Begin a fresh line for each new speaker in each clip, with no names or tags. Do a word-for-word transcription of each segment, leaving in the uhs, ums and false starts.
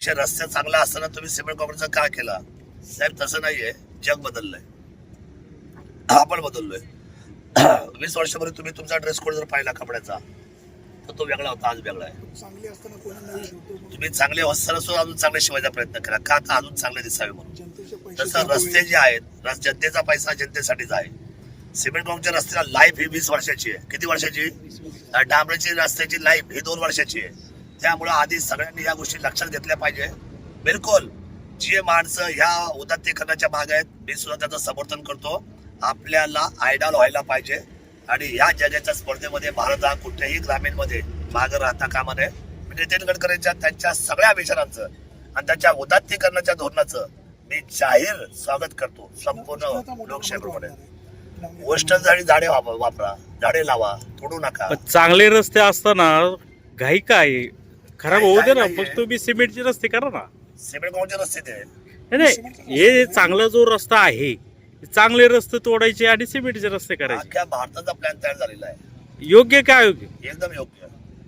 रस्ता चांगला असताना तुम्ही सिमेंट कॉन्क्रीटचा का केला? साहेब तसं नाहीये, जग बदललंय, आपण बदललोय. वीस वर्षापूर्वी तुम्ही तुमचा ड्रेस कोड जर पाहिला कपड्याचा तर तो वेगळा होता, आज वेगळा आहे.
चांगले असताना कोणी नाही शिवतो.
तुम्ही चांगले असताना सुद्धा अजून चांगले शिवायचा प्रयत्न करा, का आता अजून चांगले दिसावे म्हणून.
जनतेचे पैसे
तसं रस्ते जे आहेत, रस- जनतेचा पैसा जनतेसाठीच आहे. सिमेंट कॉन्क्रीटच्या रस्त्याला लाईफ ही वीस वर्षाची आहे. किती वर्षाची? डांबराची रस्त्याची लाईफ ही दोन वर्षाची आहे. त्यामुळे आधी सगळ्यांनी या गोष्टी लक्षात घेतल्या पाहिजे. बिलकुल जे माणसं ह्या उदात्तीकरणाच्या भाग आहेत, मी सुद्धा त्याचं समर्थन करतो. आपल्याला आयडॉल व्हायला पाहिजे आणि या जगाच्या स्पर्धेमध्ये भारत हा कुठल्याही ग्रामीण मध्ये मागे राहता कामा नये. नितीन गडकरींच्या त्यांच्या सगळ्या विचारांचं आणि त्यांच्या उदात्तीकरणाच्या धोरणाचं मी जाहीर स्वागत करतो संपूर्ण लोकशाहीप्रमाणे. गोष्ट झाडी झाडे वाप- वापरा, झाडे लावा, तोडू नका.
पण चांगले रस्ते असताना घाई काय खराब होऊ दे ना,
घाई
मग
नाहीये.
तुम्ही सिमेंटचे रस्ते करा ना.
सिमेंट कॉन्क्रीटचे रस्ते ते
नाही नाही, हे चांगला जो रस्ता आहे चांगले रस्ते तोडायचे आणि सिमेंटचे रस्ते करायचे.
अख्ख्या भारताचा प्लॅन तयार झालेला आहे,
योग्य काय योग्य?
एकदम योग्य.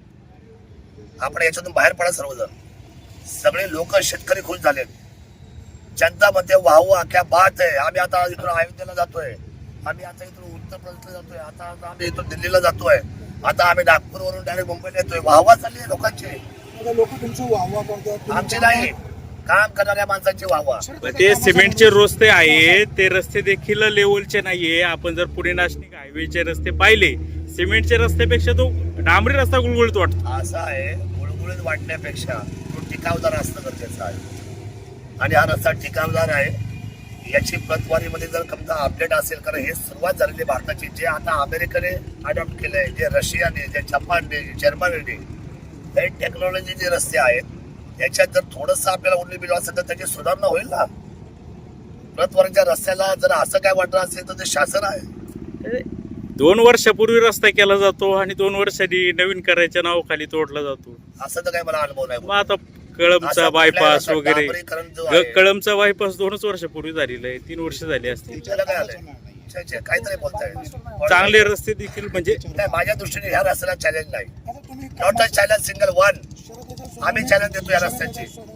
आपण याच्यातून बाहेर पडा सर्वजण. सगळे लोक शेतकरी खुश झालेत. जनता मध्ये वाहू अख्ख्या बात आहे. आम्ही आता इथून अयोध्येला जातोय, आम्ही आता इथून उत्तर प्रदेशला जातोय, आता आता आम्ही इथून दिल्लीला जातोय, आता आम्ही नागपूरवरून डायरेक्ट मुंबईला येतोय. वाहवा चालली आहे लोकांची.
लोक तुमचं वाहवा करतात.
आमची नाही, काम करणाऱ्या माणसांची वाहवा.
ते सिमेंटचे रस्ते आहेत, ते रस्ते देखील लेवलचे नाहीये. आपण जर पुणे नाशिक हायवेचे रस्ते पाहिले, सिमेंटच्या रस्त्यापेक्षा तो डांबरी रस्ता गुळगुळीत वाटतो.
असं आहे, गुळगुळीत वाटण्यापेक्षा तो टिकावदार असणं गरजेचं आहे. आणि हा रस्ता टिकावदार आहे. याची प्रतवारीमध्ये जर समजा अपडेट असेल, कारण हे सुरुवात झालेली भारताची, जे आता अमेरिकेने अडॉप्ट केलंय, जे रशियाने, जे जपानने, जे जर्मनीने, हे टेक्नॉलॉजी जे रस्ते आहेत त्याच्यात जर थोडंसं आपल्याला उरली बिल असेल तर त्याची सुधारणा होईल ना. प्रतवारीच्या रस्त्याला जर असं काय वाटत असेल तर ते शासन आहे.
दोन वर्षापूर्वी रस्ता केला जातो आणि दोन वर्षांनी नवीन करायच्या नावाखाली तोडला जातो.
असं तर काही मला अनुभव नाही.
मग आता कळमचा
असं
बायपास
कुठल्याही
वगैरे,
डांबरीकरण जो आहे,
कळमचा बायपास दोनच वर्षापूर्वी झालेला आहे, तीन वर्ष झाली असतील.
त्याला काय आलंय? छे, छे, काहीतरी बोलताय.
चांगले रस्ते देखील म्हणजे
नाही, माझ्या दृष्टीने ह्या रस्त्याला चॅलेंज नाही.
आता तुम्ही
not a challenge single one.
Sharad Pawar
आम्ही चॅलेंज देतो या रस्त्याची.